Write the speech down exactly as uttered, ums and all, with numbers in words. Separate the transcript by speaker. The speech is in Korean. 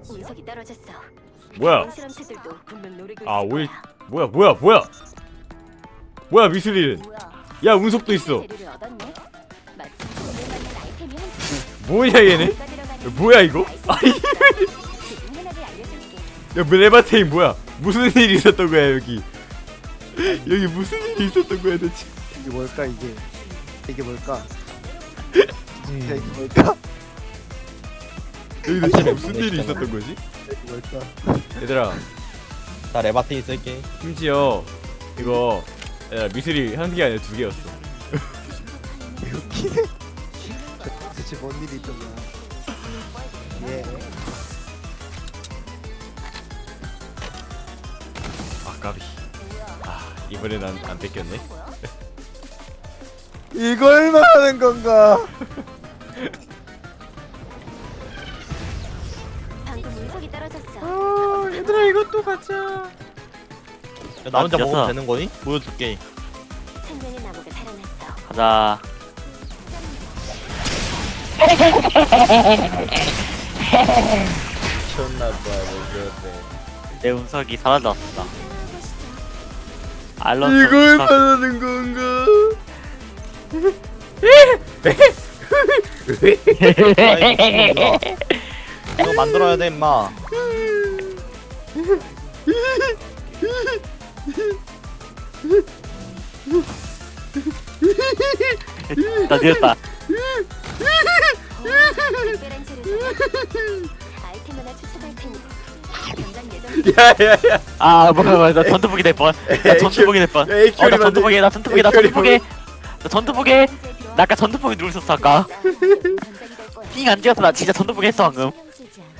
Speaker 1: 운석이 떨어졌어.
Speaker 2: 뭐야?
Speaker 1: 실험체들도 분명 노리고
Speaker 2: 아
Speaker 1: 있을
Speaker 2: 오일
Speaker 1: 거야.
Speaker 2: 뭐야 뭐야 뭐야 뭐야 미술일은
Speaker 1: 뭐야?
Speaker 2: 야 운석도 있어.
Speaker 1: 재료를 얻었네. 마침 오늘 만난 아이템이 한
Speaker 2: 뭐냐 얘네?
Speaker 1: 개가 들어가는
Speaker 2: 뭐야 이거?
Speaker 1: 아이템이 있어. 그중 하나를 알려줄게.
Speaker 2: 야 레바테인 뭐야? 무슨 일이 있었던 거야 여기? 여기 무슨 일이 있었던 거야 대체?
Speaker 3: 이게 뭘까 이게? 이게 뭘까? 진짜 이게 뭘까?
Speaker 2: 여기 대체 무슨 일이 있었던 거지?
Speaker 3: 이게 뭘까?
Speaker 2: 얘들아
Speaker 4: 나 레바테인 쓸게.
Speaker 2: 심지어 이거 야, 미술이 한 개 아니라 두 개였어.
Speaker 3: 웃기네. 대체 뭔 일이 있던 거야? 예.
Speaker 2: 아 까비. 아 이번엔 안, 안 뺏겼네.
Speaker 3: 이걸 말하는 건가?
Speaker 1: 방금 운석이 떨어졌어.
Speaker 2: 아 얘들아 이것도 가자.
Speaker 4: 야, 나 혼자
Speaker 5: 아,
Speaker 4: 먹어도
Speaker 5: 됐어.
Speaker 4: 되는 거니? 보여줄게.
Speaker 1: 생명의 나무가 살아났어.
Speaker 5: 가자.
Speaker 4: 미쳤나봐, 왜
Speaker 5: 내 운석이 사라졌어. 알론소
Speaker 2: 이걸
Speaker 5: 운석.
Speaker 2: 말하는 건가?
Speaker 4: 그래? 이거 만들어야 돼, 임마.
Speaker 5: 나 늦었다.
Speaker 1: 특별한 재료잖아. 아이템 하나 추천할 테니 당장 예정.
Speaker 2: 야야야.
Speaker 5: 아 뭐야 뭐야 나 전투복이 될 뻔. 나 전투복이 될 뻔.
Speaker 2: 야, 에이큐알이
Speaker 5: 어나
Speaker 2: 만들-
Speaker 5: 전투복이 나 전투복이 나
Speaker 2: 에이큐알이
Speaker 5: 전투복이 나 전투복이 나 아까 전투복이 누르셨어 아까. 핑 안 찍어서 나 진짜 전투복 했어 방금.